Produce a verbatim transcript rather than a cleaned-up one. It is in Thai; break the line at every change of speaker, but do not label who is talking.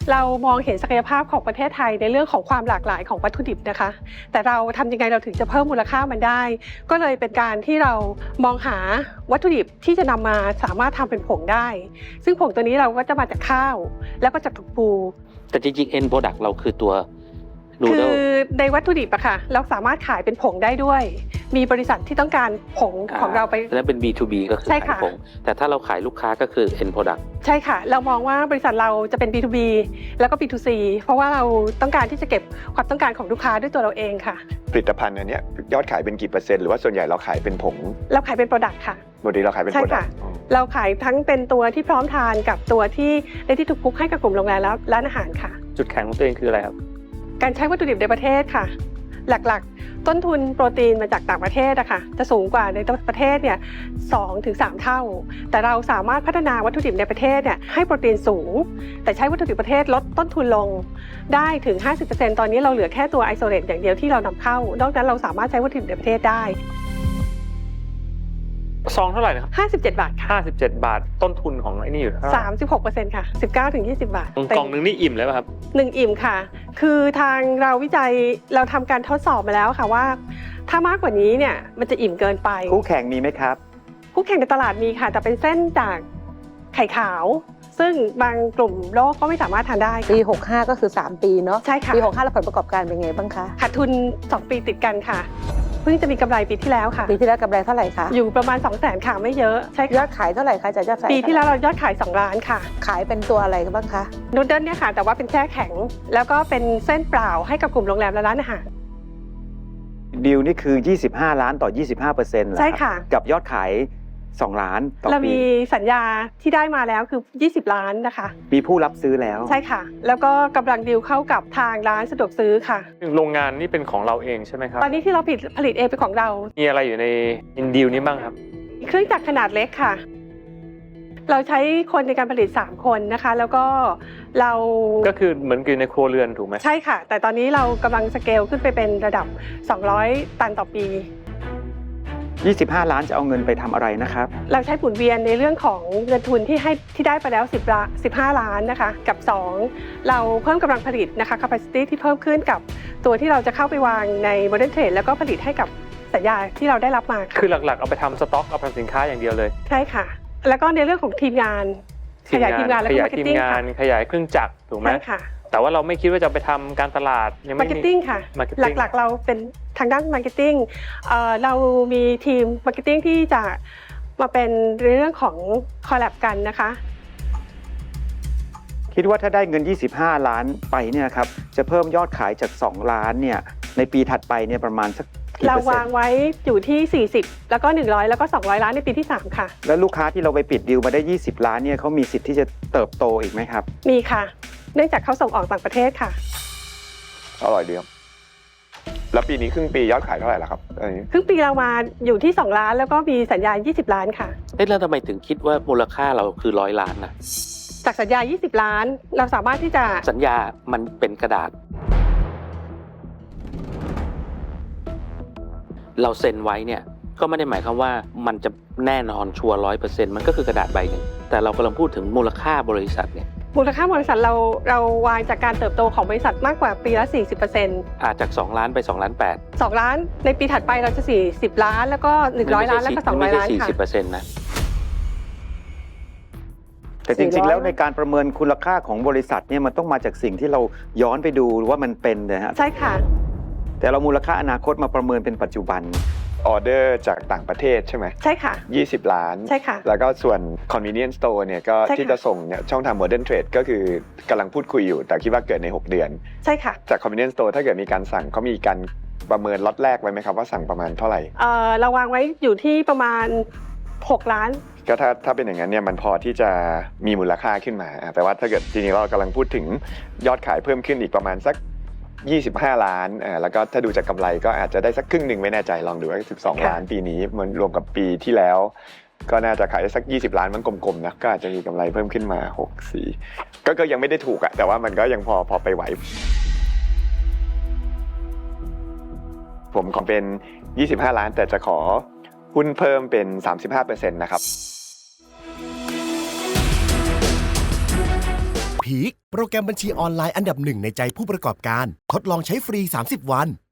เรามองเห็นศักยภาพของประเทศไทยในเรื่องของความหลากหลายของวัตถุดิบนะคะแต่เราทำยังไงเราถึงจะเพิ่มมูลค่ามันได้ก็เลยเป็นการที่เรามองหาวัตถุดิบที่จะนำมาสามารถทำเป็นผงได้ซึ่งผงตัวนี้เราก็จะมาจากข้าวแล้วก็จากถั่วปู
แต่จริงๆ end product เราคือตัว
คือในวัตถุดิบอะค่ะเราสามารถขายเป็นผงได้ด้วยมีบริษัทที่ต้องการผงของเราไป
แล้วเป็น บี ทู บี ก็คือขายผงแต่ถ้าเราขายลูกค้าก็คือ end product
ใช่ค่ะเรามองว่าบริษัทเราจะเป็น บี ทู บี แล้วก็ บี ทู ซี เพราะว่าเราต้องการที่จะเก็บความต้องการของลูกค้าด้วยตัวเราเองค่ะ
ผลิตภัณฑ์อันนี้ยอดขายเป็นกี่เปอร์เซ็นต์หรือว่าส่วนใหญ่เราขายเป็นผง
เราขายเป็นโปรดักต์ค่ะ
ปกติเราขายเป็นโปรดักต์
เราขายทั้งเป็นตัวที่พร้อมทานกับตัวที่ในที่ถูกคุกให้กับกลุ่มโรงแรมและร้านอาหารค่ะ
จุดแข็งของตัวเองคืออะไรครับ
การใช้วัตถุดิบในประเทศค่ะหลักๆต้นทุนโปรตีนมาจากต่างประเทศอะค่ะจะสูงกว่าในประเทศเนี่ยสองถึงสามเท่าแต่เราสามารถพัฒนาวัตถุดิบในประเทศเนี่ยให้โปรตีนสูงแต่ใช้วัตถุดิบประเทศลดต้นทุนลงได้ถึง ห้าสิบเปอร์เซ็นต์ ตอนนี้เราเหลือแค่ตัวไอโซเลตอย่างเดียวที่เรานำเข้านอกนั้นเราสามารถใช้วัตถุดิบในประเทศได้
ซองเท่าไหร่นะครับ
ห้าสิบเจ็ดบาทค่ะ
ห้าสิบเจ็ดบาทต้นทุนของไอ้นี่อยู่เท่าไหร่
สามสิบหกเปอร์เซ็นต์ ค่ะ สิบเก้าถึงยี่สิบบาท
กล่องนึงนี่อิ่มเลยป่ะครับ
หนึ่งอิ่มค่ะคือทางเราวิจัยเราทำการทดสอบมาแล้วค่ะว่าถ้ามากกว่านี้เนี่ยมันจะอิ่มเกินไป
คู่แข่งมีไหมครับ
คู่แข่งในตลาดมีค่ะแต่เป็นเส้นจากไข่ขาวซึ่งบางกลุ่มโลกก็ไม่สามารถทานได้
ปีหกห้าก็คือสามปีเนาะ
ใช่ค่ะ
ปีหกห้าแล้วผลประกอบการเป็นไงบ้างคะ
ขาดทุนสองปีติดกันค่ะเพิ่งจะมีกำไรปีที่แล้วค่ะ
ปีที่แล้วกำไรเท่าไหร่คะ
อยู่ประมาณ สองแสน ค่ะไม่เยอะใช่
ยอดขายเท่าไหร่คะจากยอดขาย
ปีที่แล้วเรายอดขายสองล้านค่ะ
ขายเป็นตัวอะไรบ้างคะ
นูดเดิลเนี่ยค่ะแต่ว่าเป็นแช่แข็งแล้วก็เป็นเส้นเปล่าให้กับกลุ่มโรงแรมและร้านอาหาร
ดีลนี่คือยี่สิบห้าล้านต่อ ยี่สิบห้าเปอร์เซ็นต์
ใช่ค่ะ
กับยอดขายสองล้านต่อปี
เรามีสัญญาที่ได้มาแล้วคือยี่สิบล้านนะคะ
มีผู้รับซื้อแล้ว
ใช่ค่ะแล้วก็กำลังดีลเข้ากับทางร้านสะดวกซื้อค่ะ
โรงงานนี่เป็นของเราเองใช่ไหมครับ
ตอนนี้ที่เราผลิตผลิตเองเป็นของเรา
มีอะไรอยู่ในอินดีลนี้บ้างครับ
เครื่องจักรขนาดเล็กค่ะเราใช้คนในการผลิตสามคนนะคะแล้วก็เรา
ก็คือเหมือนกินในครัวเรือนถูกไหม
ใช่ค่ะแต่ตอนนี้เรากำลังสเกลขึ้นไปเป็นระดับสองร้อยตันต่อปี
ยี่สิบห้าล้านจะเอาเงินไปทำอะไรนะครับ
เราใช้หมุนเวียนในเรื่องของเงินทุนที่ให้ที่ได้ไปแล้วสิบล้านสิบห้าล้านนะคะกับสองเราเพิ่มกำลังผลิตนะคะ capacity ที่เพิ่มขึ้นกับตัวที่เราจะเข้าไปวางใน modern trade แล้วก็ผลิตให้กับสัญญาที่เราได้รับมา
คือหลักๆเอาไปทำสต็อกเอาไปทำสินค้าอย่างเดียวเลย
ใช่ค่ะแล้วก็ในเรื่องของทีมงานขยายทีมงานและ
ขยายทีมงานขยายเครื่องจักรถูกไหม
ใช่ค่ะ
แต่ว่าเราไม่คิดว่าจะไปทำการตลาด
ยังไม่มี marketing ค่ะหลักๆเราเป็นทางด้าน marketing เอ่อเรามีทีม marketing ที่จะมาเป็นเรื่องของ collab กันนะคะ
คิดว่าถ้าได้เงินยี่สิบห้าล้านไปเนี่ยครับจะเพิ่มยอดขายจากสองล้านเนี่ยในปีถัดไปเนี่ยประมาณสัก
เราวางไว้อยู่ที่สี่สิบแล้วก็หนึ่งร้อยแล้วก็สองร้อยล้านในปีที่สามค่ะ
แล้วลูกค้าที่เราไปปิดดีลมาได้ยี่สิบล้านเนี่ยเขามีสิทธิ์ที่จะเติบโตอีกไหมครับ
มีค่ะเนื่องจากเขาส่งออกต่างประเทศค่ะ
อร่อยดีครับแล้วปีนี้ครึ่งปียอดขายเท่าไหร่ล่ะครับ
ครึ่งปีเรามาอยู่ที่สองล้านแล้วก็มีสัญญายี่สิบล้านค่ะ
เอ๊ะแล้วทำไมถึงคิดว่ามูลค่าเราคือร้อยล้านนะ
จากสัญญายี่สิบล้านเราสามารถที่จะ
สัญญามันเป็นกระดาษเราเซ็นไว้เนี่ยก็ไม่ได้หมายความว่ามันจะแน่นอนชัวร์ร้อยเปอร์เซ็นต์มันก็คือกระดาษใบหนึ่งแต่เรากำลังพูดถึงมูลค่าบริษัทเนี่ย
มูลค่าบริษัทเราเราวางจากการเติบโตของบริษัทมากกว่าปีละ สี่สิบเปอร์เซ็นต์
อาจจากสองล้านไปสองล้านแปด
สองล้านในปีถัดไปเราจะสี่สิบล้านแล้วก็หนึ่งร้อยล้านแล้วก็สองร้อยล้านค่ะ
สี่สิบเปอร์เซ็นต์ นะ
แต่จริงๆแล้วในการประเมินคุณค่าของบริษัทเนี่ยมันต้องมาจากสิ่งที่เราย้อนไปดูว่ามันเป็นนะฮะ
ใช่ค่ะ
แต่เรามูลค่าอนาคตมาประเมินเป็นปัจจุบันออเดอร์จากต่างประเทศใช่ไหม
ใช่ค่ะ
ยี่สิบล้าน
ใช่ค่ะ
แล้วก็ส่วน convenience store เนี่ยก็ที่จะส่งเนี่ยช่องทาง modern trade ก็คือกำลังพูดคุยอยู่แต่คิดว่าเกิดในหกเดือน
ใช่ค่ะ
จาก convenience store ถ้าเกิดมีการสั่งเขามีการประเมินล็อตแรกไว้ไหมครับว่าสั่งประมาณเท่าไหร่
เอ่อเราวางไว้อยู่ที่ประมาณหกล้าน
ก็ถ้าถ้าเป็นอย่างนั้นเนี่ยมันพอที่จะมีมูลค่าขึ้นมาแต่ว่าถ้าเกิดจริงๆเรากำลังพูดถึงยอดขายเพิ่มขึ้นอีกประมาณสักยี่สิบห้าล้านอ่าแล้วก็ถ้าดูจากกำไรก็อาจจะได้สักครึ่งหนึ่งไม่แน่ใจลองดูว่าสิบสองล้านปีนี้มันรวมกับปีที่แล้วก็น่าจะขายได้สักยี่สิบล้านมันกลมๆนะก็อาจจะมีกำไรเพิ่มขึ้นมาหก สี่ก็ก็ยังไม่ได้ถูกอะแต่ว่ามันก็ยังพอพอไปไหวผมขอเป็นยี่สิบห้าล้านแต่จะขอหุ้นเพิ่มเป็น สามสิบห้าเปอร์เซ็นต์ นะครับ
พีคโปรแกรมบัญชีออนไลน์อันดับหนึ่งในใจผู้ประกอบการทดลองใช้ฟรีสามสิบวัน